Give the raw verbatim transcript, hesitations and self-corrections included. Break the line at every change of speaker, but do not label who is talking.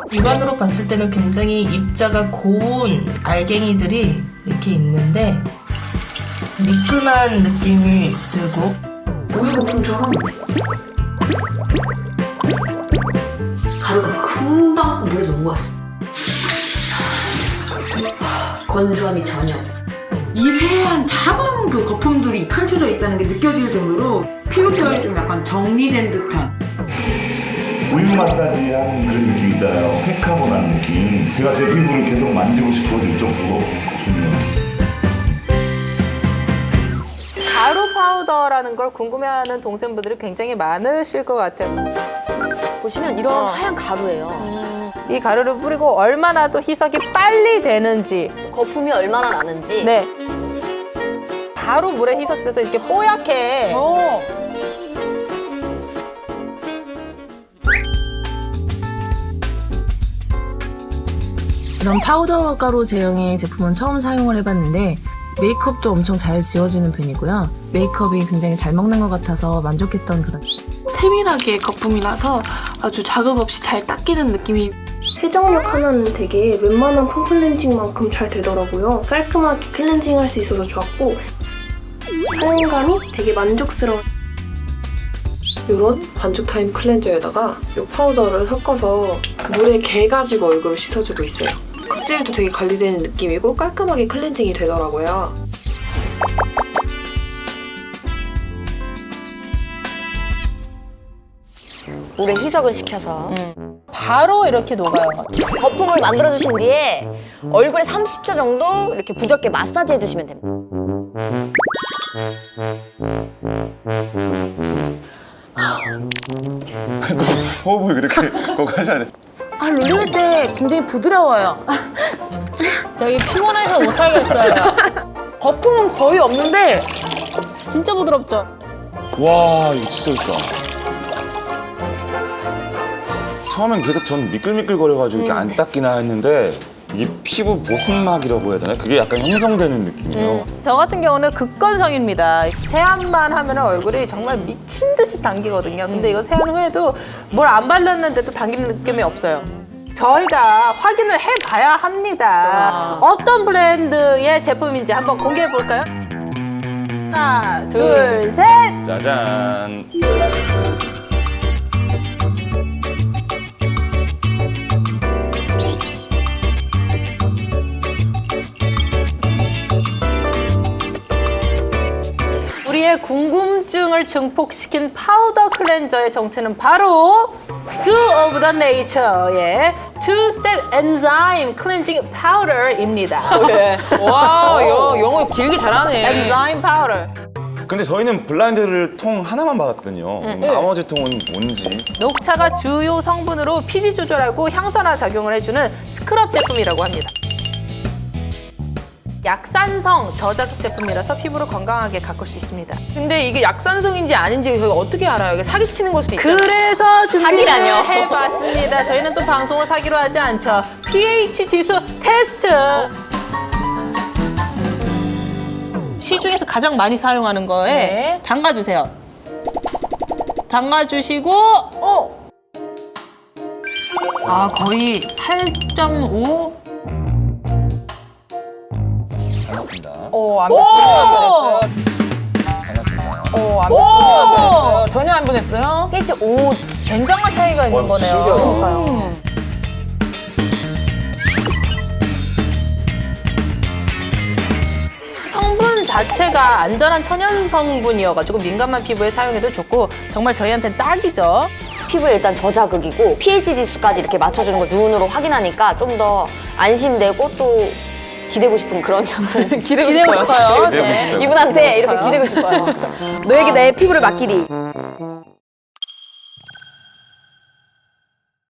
육안으로 봤을 때는 굉장히 입자가 고운 알갱이들이 이렇게 있는데 미끈한 느낌이 들고
우유 거품처럼 가루가 금방 물에 녹았어. 건조함이 전혀 없어.
미세한 작은 그 거품들이 펼쳐져 있다는 게 느껴질 정도로 피부 케어에 좀 약간 정리된 듯한.
우유 마사지 하는 그런 느낌 있잖아요. 팩하고난 느낌. 제가 제 피부를 계속 만지고 싶어질 정도로 좋네요.
가루 파우더라는 걸 궁금해하는 동생분들이 굉장히 많으실 것 같아요.
보시면 이런
어.
하얀 가루예요.
이 가루를 뿌리고 얼마나 또 희석이 빨리 되는지.
거품이 얼마나 나는지.
네. 바로 물에 희석돼서 이렇게 뽀얗게.
어.
이런 파우더 가루 제형의 제품은 처음 사용을 해봤는데 메이크업도 엄청 잘 지워지는 편이고요. 메이크업이 굉장히 잘 먹는 것 같아서 만족했던 그런.
세밀하게 거품이라서 아주 자극 없이 잘 닦이는 느낌이.
세정력 하나는 되게 웬만한 폼클렌징만큼 잘 되더라고요. 깔끔하게 클렌징할 수 있어서 좋았고 사용감이 되게 만족스러워요.
이런 반죽 타임 클렌저에다가 이 파우더를 섞어서 물에 개가지고 얼굴을 씻어주고 있어요. 각질도 되게 관리되는 느낌이고 깔끔하게 클렌징이 되더라고요.
물에 희석을 시켜서
음. 바로 이렇게 녹아요.
거품을 만들어주신 뒤에 얼굴에 삼십 초 정도 이렇게 부드럽게 마사지 해주시면 됩니다.
호흡을 그렇게 꼭 하셔야 돼요.
아, 룰릴 때 굉장히 부드러워요. 저희 피곤해서 못하겠어요. 거품은 거의 없는데 진짜 부드럽죠?
와, 이거 진짜 좋다. 처음엔 계속 전 미끌미끌거려가지고 이렇게 안 닦이나 했는데 이게 피부 보습막이라고 해야 되나? 그게 약간 형성되는 느낌이에요.
음, 저 같은 경우는 극건성입니다. 세안만 하면 얼굴이 정말 미친 듯이 당기거든요. 근데 이거 세안 후에도 뭘 안 발랐는데도 당기는 느낌이 없어요. 저희가 확인을 해봐야 합니다. 어떤 브랜드의 제품인지 한번 공개해볼까요? 하나, 둘, 셋!
짜잔.
우리의 궁금증을 증폭시킨 파우더 클렌저의 정체는 바로 Sue of the Nature의 Two-Step Enzyme Cleansing Powder입니다.
와, 영어 길게 잘하네.
Enzyme Powder.
근데 저희는 블라인드를 통 하나만 받았거든요. 나머지 통은 뭔지.
녹차가 주요 성분으로 피지 조절하고 향산화 작용을 해주는 스크럽 제품이라고 합니다. 약산성 저자극 제품이라서 피부를 건강하게 가꿀 수 있습니다.
근데 이게 약산성인지 아닌지 저희가 어떻게 알아요? 이게 사기치는 걸 수도 있잖아요.
그래서 준비를
사기라뇨.
해봤습니다. 저희는 또 방송을 사기로 하지 않죠. pH 지수 테스트. 시중에서 가장 많이 사용하는 거에
네.
담가주세요. 담가주시고
어.
아 거의 팔 점 오.
반갑습니다.
어, 안
오!
변했어요.
반갑습니다.
어, 안
오!
변했어요. 전혀 안 변했어요. pH 오.
굉장한 차이가 있는
와,
거네요.
신기하다.
성분 자체가 안전한 천연 성분이어가지고 민감한 피부에 사용해도 좋고 정말 저희한테는 딱이죠.
피부에 일단 저자극이고 pH 지수까지 이렇게 맞춰주는 걸 눈으로 확인하니까 좀 더 안심되고 또 기대고 싶은 그런 작품. 기대고,
기대고 싶어요.
기대고 싶어요.
이분한테 이렇게 기대고 싶어요. 너에게 내 피부를 맡기리.